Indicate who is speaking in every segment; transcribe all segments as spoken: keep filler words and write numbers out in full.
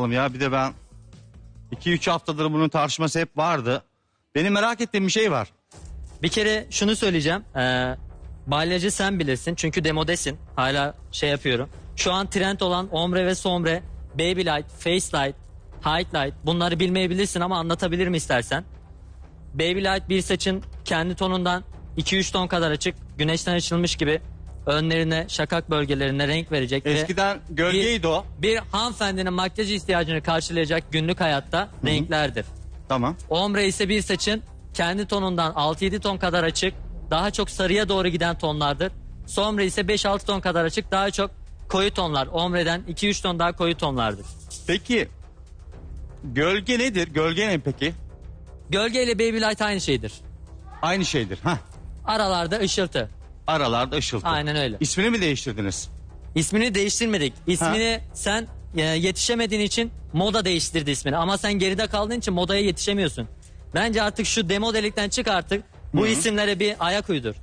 Speaker 1: yapalım ya. Bir de ben iki üç haftadır bunun tartışması hep vardı. Benim merak ettiğim bir şey var.
Speaker 2: Bir kere şunu söyleyeceğim. Ee, balyacı sen bilirsin. Çünkü demodesin. Hala şey yapıyorum. Şu an trend olan ombre ve sombre, baby light, face light, highlight. Bunları bilmeyebilirsin ama anlatabilirim istersen. Baby light bir saçın kendi tonundan iki üç ton kadar açık. Güneşten açılmış gibi önlerine, şakak bölgelerine renk verecek.
Speaker 1: Eskiden
Speaker 2: ve
Speaker 1: gölgeydi
Speaker 2: bir,
Speaker 1: o.
Speaker 2: Bir hanımefendinin makyaj ihtiyacını karşılayacak günlük hayatta Hı-hı. renklerdir.
Speaker 1: Tamam.
Speaker 2: Ombre ise bir saçın kendi tonundan altı yedi ton kadar açık, daha çok sarıya doğru giden tonlardır. Sombre ise beş altı ton kadar açık, daha çok koyu tonlar. Ombre'den iki üç ton daha koyu tonlardır.
Speaker 1: Peki gölge nedir? Gölge ne peki?
Speaker 2: Gölge ile baby light aynı şeydir.
Speaker 1: Aynı şeydir. Hah.
Speaker 2: Aralarda ışıltı.
Speaker 1: Aralarda ışıltı.
Speaker 2: Aynen öyle.
Speaker 1: İsmini mi değiştirdiniz?
Speaker 2: İsmini değiştirmedik. İsmini ha? sen e, yetişemediğin için moda değiştirdi ismini. Ama sen geride kaldığın için modaya yetişemiyorsun. Bence artık şu demodelikten çık artık. Bu Hı-hı. isimlere bir ayak uydur.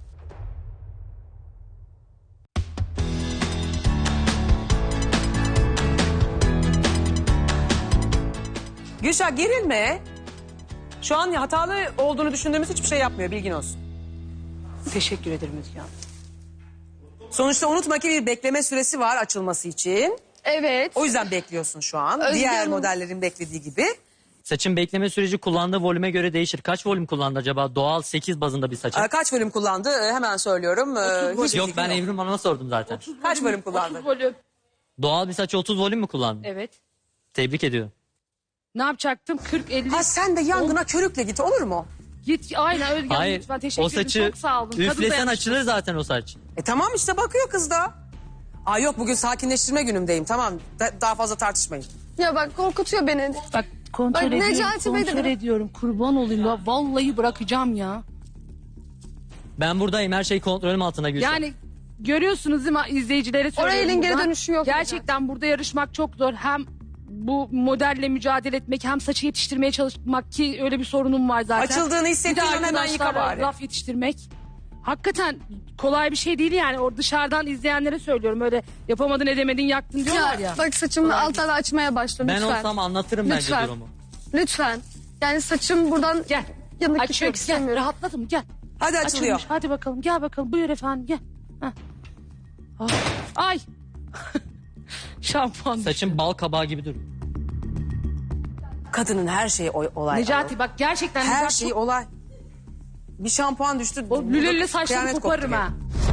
Speaker 3: Gülşah gerilme. Şu an hatalı olduğunu düşündüğümüz hiçbir şey yapmıyor, bilgin olsun.
Speaker 4: Teşekkür ederim Özge Hanım.
Speaker 3: Sonuçta unutma ki bir bekleme süresi var açılması için.
Speaker 5: Evet.
Speaker 3: O yüzden bekliyorsun şu an.
Speaker 5: Özge
Speaker 3: Diğer
Speaker 5: Hanım.
Speaker 3: modellerin beklediği gibi.
Speaker 2: Saçın bekleme süreci kullandığı volüme göre değişir. Kaç volüm kullandı acaba? Doğal sekiz bazında bir saçın.
Speaker 3: Ee, kaç bölüm kullandı? Ee, hemen söylüyorum. Ee, hiç
Speaker 2: Yok
Speaker 3: fikrim
Speaker 2: ben Evrim Hanım'a sordum zaten.
Speaker 3: Kaç bölüm kullandı?
Speaker 5: otuz volüm.
Speaker 2: Doğal bir saç otuz volüm mü kullandı?
Speaker 5: Evet.
Speaker 2: Tebrik ediyorum.
Speaker 4: Ne yapacaktım? kırk elli.
Speaker 3: Ha sen de yangına körükle git, olur mu?
Speaker 4: Git aynen Özge Hanım
Speaker 2: Hayır
Speaker 4: lütfen teşekkür
Speaker 2: o
Speaker 4: ederim.
Speaker 2: saçı
Speaker 4: Çok sağ olun. Kadın
Speaker 2: üflesen
Speaker 4: dayanışması.
Speaker 2: açılır zaten o saç.
Speaker 3: E tamam işte bakıyor kız da. Aa yok bugün sakinleştirme günümdeyim, tamam. Da- daha fazla tartışmayın.
Speaker 5: Ya bak korkutuyor beni.
Speaker 4: Bak kontrol
Speaker 5: Bak,
Speaker 4: ediyorum,
Speaker 5: Necati Bey de
Speaker 4: kontrol
Speaker 5: bırak-
Speaker 4: ediyorum. Kurban olayım ya. Vallahi bırakacağım ya.
Speaker 2: Ben buradayım her şey kontrolüm altında Gülşah.
Speaker 4: Yani görüyorsunuz değil mi izleyicilere söylüyorum.
Speaker 5: Oraya elin geri
Speaker 4: buradan.
Speaker 5: dönüşü yok.
Speaker 4: Gerçekten burada yarışmak çok zor. Hem bu modelle mücadele etmek hem saçı yetiştirmeye çalışmak ki öyle bir sorunum var zaten.
Speaker 3: Açıldığını
Speaker 4: Bir de
Speaker 3: hissettiğin hemen yıka
Speaker 4: arkadaşlarla
Speaker 3: bari.
Speaker 4: laf yetiştirmek. Hakikaten kolay bir şey değil yani. O dışarıdan izleyenlere söylüyorum. Öyle yapamadın edemedin yaktın diyorlar ya.
Speaker 5: Ya, bak saçımı altlara açmaya başla
Speaker 2: Ben
Speaker 5: lütfen.
Speaker 2: olsam anlatırım bence
Speaker 5: Lütfen.
Speaker 2: durumu.
Speaker 5: Lütfen. Yani saçım buradan
Speaker 4: Gel.
Speaker 5: yanık
Speaker 4: Açıyorum
Speaker 5: gitmek
Speaker 4: gel.
Speaker 5: istemiyorum.
Speaker 4: Rahatladım gel.
Speaker 3: Hadi açılıyor.
Speaker 4: Açılmış. Hadi bakalım gel bakalım. Buyur efendim gel. Heh. Ah. Ay. Şampuan.
Speaker 2: Saçın bal kabağı gibi duruyor.
Speaker 3: Kadının her şeyi o- olay.
Speaker 4: Necati bak gerçekten
Speaker 3: Her
Speaker 4: Necati
Speaker 3: şey
Speaker 4: çok-
Speaker 3: olay. Bir şampuan düştü.
Speaker 4: o lüleli saçlarını
Speaker 3: kıyamet
Speaker 4: koparırım
Speaker 3: koptu.
Speaker 4: ha.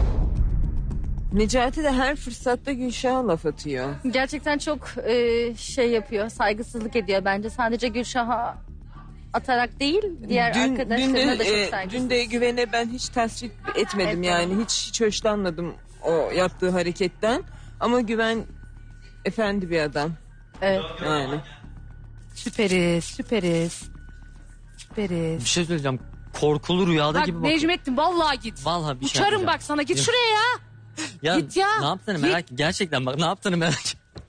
Speaker 6: Necati de her fırsatta Gülşah'a laf atıyor.
Speaker 7: Gerçekten çok e, şey yapıyor, saygısızlık ediyor bence. Sadece Gülşah'a atarak değil, diğer
Speaker 6: Dün, dün,
Speaker 7: arkadaşlarına
Speaker 6: de,
Speaker 7: da çok
Speaker 6: e,
Speaker 7: saygısız.
Speaker 6: dün de Güven'e ben hiç tasvip etmedim
Speaker 7: Evet,
Speaker 6: yani.
Speaker 7: tamam.
Speaker 6: Hiç, hiç hoşlanmadım o yaptığı hareketten. Ama Güven efendi bir adam.
Speaker 7: Evet.
Speaker 6: Yani.
Speaker 4: Süperiz süperiz. Süperiz.
Speaker 2: Bir şey söyleyeceğim. Korkulu rüyada
Speaker 4: Bak
Speaker 2: gibi bakıyor.
Speaker 4: Necmettin vallahi git.
Speaker 2: Vallahi bir şey
Speaker 4: Uçarım
Speaker 2: yapacağım.
Speaker 4: bak sana git
Speaker 2: Yok.
Speaker 4: şuraya ya.
Speaker 2: Ya,
Speaker 4: Git ya.
Speaker 2: Ne yaptığını
Speaker 4: Git.
Speaker 2: merak Gerçekten bak ne yaptığını merak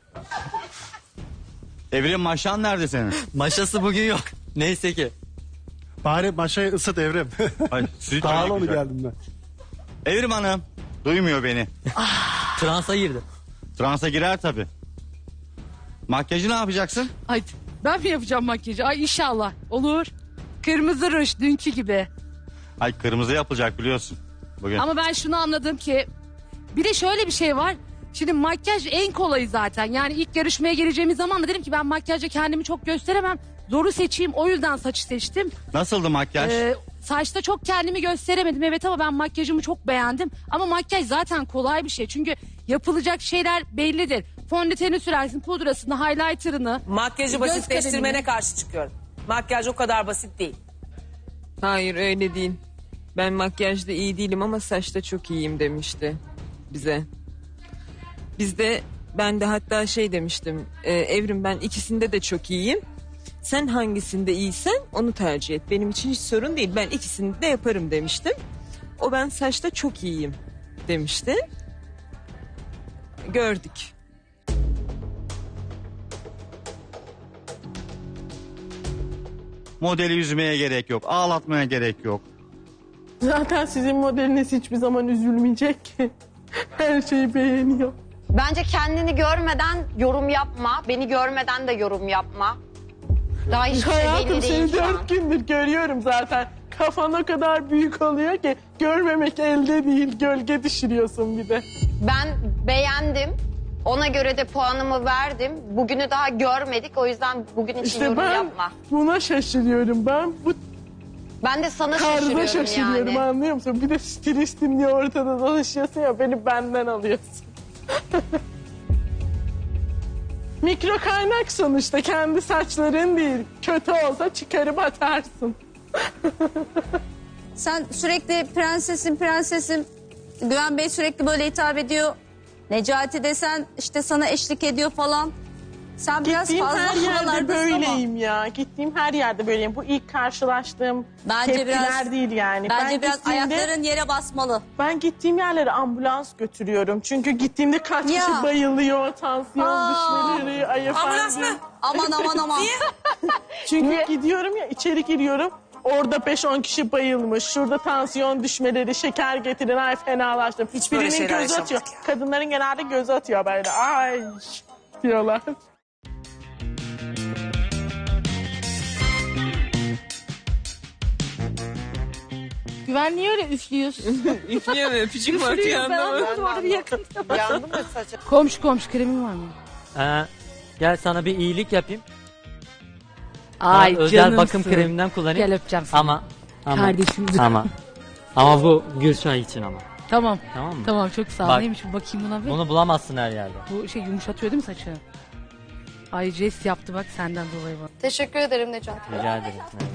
Speaker 1: Evrim maşan nerede senin?
Speaker 2: Maşası bugün yok. Neyse ki.
Speaker 8: Bari maşayı ısıt Evrim.
Speaker 1: Ay, süt
Speaker 8: Pahalı
Speaker 1: öyle
Speaker 8: mı
Speaker 1: güzel.
Speaker 8: geldim ben?
Speaker 1: Evrim Hanım. Duymuyor beni.
Speaker 2: Transa girdi.
Speaker 1: Transa girer tabii. Makyajı ne yapacaksın?
Speaker 4: Ay ben mi yapacağım makyajı? Ay inşallah olur. Kırmızı ruj dünkü gibi.
Speaker 1: Ay kırmızı yapılacak biliyorsun. Bugün.
Speaker 4: Ama ben şunu anladım ki bir de şöyle bir şey var. Şimdi makyaj en kolayı zaten. Yani ilk yarışmaya geleceğimiz zaman da dedim ki ben makyajla kendimi çok gösteremem. Zoru seçeyim o yüzden saçı seçtim.
Speaker 1: Nasıldı makyaj?
Speaker 4: Ee, saçta çok kendimi gösteremedim evet ama ben makyajımı çok beğendim. Ama makyaj zaten kolay bir şey. Çünkü yapılacak şeyler bellidir. Fondöteni sürersin, pudrasını, highlighter'ını.
Speaker 3: Makyajı
Speaker 4: Göz
Speaker 3: basitleştirmene
Speaker 4: kalemini.
Speaker 3: karşı çıkıyorum. Makyaj o kadar basit değil.
Speaker 6: Hayır öyle değil. Ben makyajda iyi değilim ama saçta çok iyiyim demişti bize. Biz de ben de hatta şey demiştim. E, Evrim ben ikisinde de çok iyiyim. Sen hangisinde iyisen onu tercih et. Benim için hiç sorun değil. Ben ikisini de yaparım demiştim. O ben saçta çok iyiyim demişti. Gördük.
Speaker 1: Modeli yüzmeye gerek yok. Ağlatmaya gerek yok.
Speaker 9: Zaten sizin modeliniz hiçbir zaman üzülmeyecek ki. Her şeyi beğeniyor. Bence kendini görmeden yorum yapma. Beni görmeden de yorum yapma. Daha hiçbir şey
Speaker 10: Hayatım
Speaker 9: belli değil
Speaker 10: seni
Speaker 9: şu an.
Speaker 10: dört gündür görüyorum zaten. Kafan o kadar büyük oluyor ki görmemek elde değil. Gölge düşürüyorsun bir de.
Speaker 9: Ben beğendim. Ona göre de puanımı verdim. Bugünü daha görmedik. O yüzden bugün için
Speaker 10: İşte
Speaker 9: yorum
Speaker 10: ben
Speaker 9: yapma.
Speaker 10: buna şaşırıyorum. Ben bu
Speaker 9: Ben de sana
Speaker 10: tarza
Speaker 9: şaşırıyorum,
Speaker 10: şaşırıyorum
Speaker 9: yani.
Speaker 10: anlıyor musun? Bir de stilistim diye ortada dolaşıyorsun ya beni benden alıyorsun. Mikro kaynak sonuçta kendi saçların değil. Kötü olsa çıkarıp atarsın.
Speaker 11: Sen sürekli prensesim prensesim. Güven Bey sürekli böyle hitap ediyor. Necati desen işte sana eşlik ediyor falan. Sen biraz
Speaker 10: Gittiğim
Speaker 11: fazla
Speaker 10: her yerde
Speaker 11: havalardasın ama.
Speaker 10: böyleyim ya. Gittiğim her yerde böyleyim. Bu ilk karşılaştığım
Speaker 11: Bence
Speaker 10: tepkiler
Speaker 11: biraz-
Speaker 10: değil yani.
Speaker 11: Bence
Speaker 10: Ben
Speaker 11: biraz
Speaker 10: gittiğimde-
Speaker 11: ayakların yere basmalı.
Speaker 10: Ben gittiğim yerlere ambulans götürüyorum. Çünkü gittiğimde kaç
Speaker 11: Ya.
Speaker 10: kişi bayılıyor, tansiyon
Speaker 11: Aa.
Speaker 10: düşmeleri, ay
Speaker 3: Ambulans
Speaker 10: efendim.
Speaker 3: mı?
Speaker 11: Aman aman aman.
Speaker 10: Çünkü gidiyorum ya içeri giriyorum. Orada beş on kişi bayılmış. Şurada tansiyon düşmeleri, şeker getirin. Ay fenalaştım.
Speaker 3: Hiç böyle
Speaker 10: Birinin
Speaker 3: şeyler
Speaker 10: gözü atıyor.
Speaker 3: yaşamadık
Speaker 10: Kadınların genelde gözü atıyor böyle. Ay diyorlar.
Speaker 4: Güven niye öyle üflüyorsun?
Speaker 6: Üflüyor mu? Öpücük mü atıyor anlamadım.
Speaker 4: Orada bir yakın.
Speaker 3: Yandı mı saçın?
Speaker 4: Komşu komşu kremin var mı?
Speaker 2: Ee, gel sana bir iyilik yapayım.
Speaker 4: Ay
Speaker 2: Özel
Speaker 4: canımsın.
Speaker 2: bakım kreminden kullanayım.
Speaker 4: Gel öpeceğim seni.
Speaker 2: Ama ama
Speaker 4: Kardeşimizi.
Speaker 2: ama ama bu Gülşah için ama.
Speaker 4: Tamam.
Speaker 2: Tamam mı?
Speaker 4: Tamam çok sağ ol.
Speaker 2: Bak.
Speaker 4: Neymiş bu bakayım buna bir.
Speaker 2: Bunu bulamazsın her yerde.
Speaker 4: Bu şey yumuşatıyor değil mi saçı? Ay jest yaptı bak senden dolayı bana.
Speaker 5: Teşekkür ederim Necati.
Speaker 2: Rica ederim.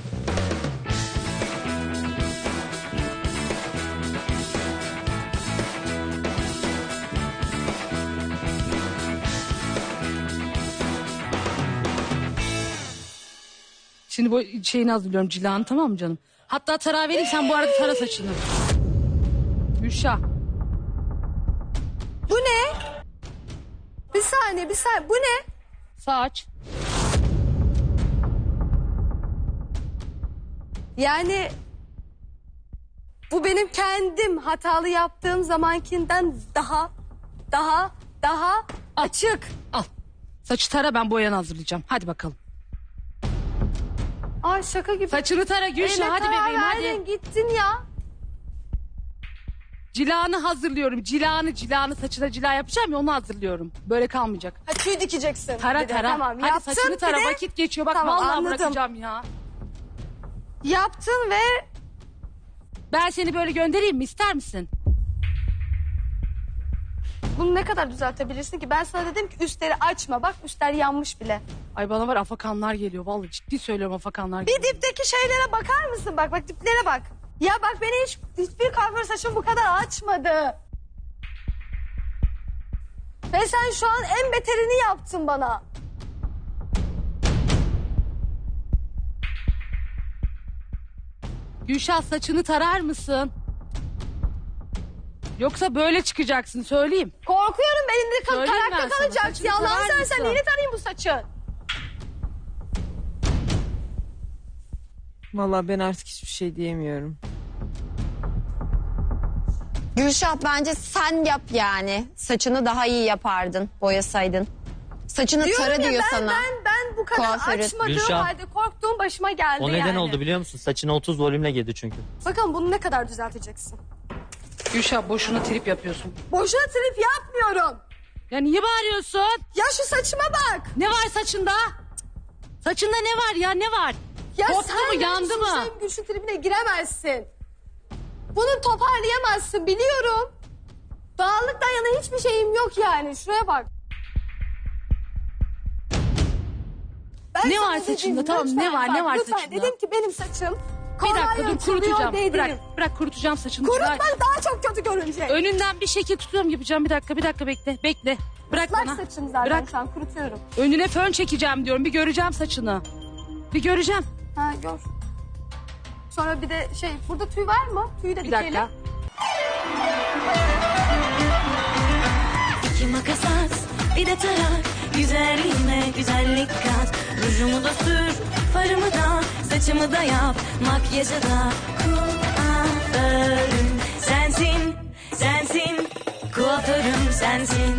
Speaker 4: Şimdi bu şeyini hazırlıyorum cilanı tamam mı canım? Hatta tarağı vereyim sen bu arada tara saçını. Gülşah.
Speaker 5: Bu ne? Bir saniye bir saniye. Bu ne?
Speaker 4: Saç.
Speaker 5: Yani bu benim kendim hatalı yaptığım zamankinden daha daha daha açık.
Speaker 4: Al. Saçı tara ben boyanı hazırlayacağım. Hadi bakalım.
Speaker 5: Ay şaka gibi.
Speaker 4: Saçını tara Gülşah
Speaker 5: Eline
Speaker 4: hadi
Speaker 5: karar
Speaker 4: bebeğim
Speaker 5: verdin,
Speaker 4: hadi.
Speaker 5: Gittin ya.
Speaker 4: Cilanı hazırlıyorum. Cilanı cilanı saçına cila yapacağım ya onu hazırlıyorum. Böyle kalmayacak.
Speaker 5: Ha, tüy dikeceksin.
Speaker 4: Tara
Speaker 5: Bir de.
Speaker 4: tara.
Speaker 5: Tamam,
Speaker 4: hadi
Speaker 5: yaptın,
Speaker 4: saçını tara
Speaker 5: bir de-
Speaker 4: vakit geçiyor. Bak
Speaker 5: Tamam,
Speaker 4: vallahi
Speaker 5: anladım.
Speaker 4: bırakacağım ya.
Speaker 5: Yaptın ve
Speaker 4: Ben seni böyle göndereyim mi ister misin?
Speaker 5: bunu ne kadar düzeltebilirsin ki? Ben sana dedim ki üstleri açma. Bak üstler yanmış bile.
Speaker 4: Ay bana var afakanlar geliyor. Vallahi ciddi söylüyorum afakanlar geliyor.
Speaker 5: Bir dipteki şeylere bakar mısın? Bak bak diplere bak. Ya bak beni hiç hiçbir kuaför saçım bu kadar açmadı. Ve sen şu an en beterini yaptın bana.
Speaker 4: Gülşah saçını tarar mısın? Yoksa böyle çıkacaksın söyleyeyim.
Speaker 5: Korkuyorum elimde kal
Speaker 4: Söyleyeyim ben
Speaker 5: tarakta
Speaker 4: sana,
Speaker 5: kalacak.
Speaker 4: saçını
Speaker 5: Ya Allah'ını
Speaker 4: tarar
Speaker 5: seversen
Speaker 4: mısın?
Speaker 5: neyini tarayayım bu saçı?
Speaker 6: Vallahi ben artık hiçbir şey diyemiyorum.
Speaker 9: Gülşah bence sen yap yani. Saçını daha iyi yapardın, boyasaydın. Saçını
Speaker 5: Diyorum
Speaker 9: tara
Speaker 5: ya
Speaker 9: diyor
Speaker 5: ben,
Speaker 9: sana.
Speaker 5: ben ben bu kadar
Speaker 9: Kuaförü.
Speaker 5: açmadığım
Speaker 2: Gülşah.
Speaker 5: halde korktuğum başıma geldi
Speaker 2: O neden
Speaker 5: yani.
Speaker 2: oldu biliyor musun? Saçına otuz volümle girdi çünkü.
Speaker 5: Bakalım bunu ne kadar düzelteceksin?
Speaker 4: Gülşah boşuna trip yapıyorsun.
Speaker 5: Boşuna trip yapmıyorum.
Speaker 4: Ya niye bağırıyorsun?
Speaker 5: Ya şu saçıma bak.
Speaker 4: Ne var saçında? Saçında ne var ya ne var?
Speaker 5: Ya
Speaker 4: Koptu
Speaker 5: sen
Speaker 4: mu
Speaker 5: benim
Speaker 4: yandı mı?
Speaker 5: Suçlayıp Gülşün tribine giremezsin. Bunu toparlayamazsın biliyorum. Dağınıktan yana hiçbir şeyim yok yani. Şuraya bak. Ben
Speaker 4: Ne
Speaker 5: sana
Speaker 4: var
Speaker 5: dedim,
Speaker 4: saçında? Tamam,
Speaker 5: lütfen
Speaker 4: ne var,
Speaker 5: bak,
Speaker 4: ne var
Speaker 5: lütfen.
Speaker 4: saçında?
Speaker 5: Dedim ki benim saçım
Speaker 4: Bir dakika
Speaker 5: kolay
Speaker 4: dur
Speaker 5: yırtılıyor
Speaker 4: kurutacağım.
Speaker 5: dedim.
Speaker 4: Bırak, bırak kurutacağım saçını.
Speaker 5: Kurutmak
Speaker 4: Bırak.
Speaker 5: daha çok kötü görünecek.
Speaker 4: Önünden bir şekil tutuyorum yapacağım. Bir dakika bir dakika bekle. Bekle. Bırak
Speaker 5: Islak
Speaker 4: bana.
Speaker 5: saçım zaten
Speaker 4: Bırak.
Speaker 5: şu an kurutuyorum.
Speaker 4: Önüne fön çekeceğim diyorum. Bir göreceğim saçını. Bir göreceğim.
Speaker 5: Ha gör. Sonra bir de şey burada tüy var mı? Tüyü de
Speaker 4: Bir
Speaker 5: dikelim.
Speaker 4: dakika.
Speaker 12: İki makas at, bir de tarak. Güzelliğime güzellik kat. Rujumu da sür, farımı da, saçımı da yap. Makyajı da kuaförüm sensin, sensin. Kuaförüm sensin.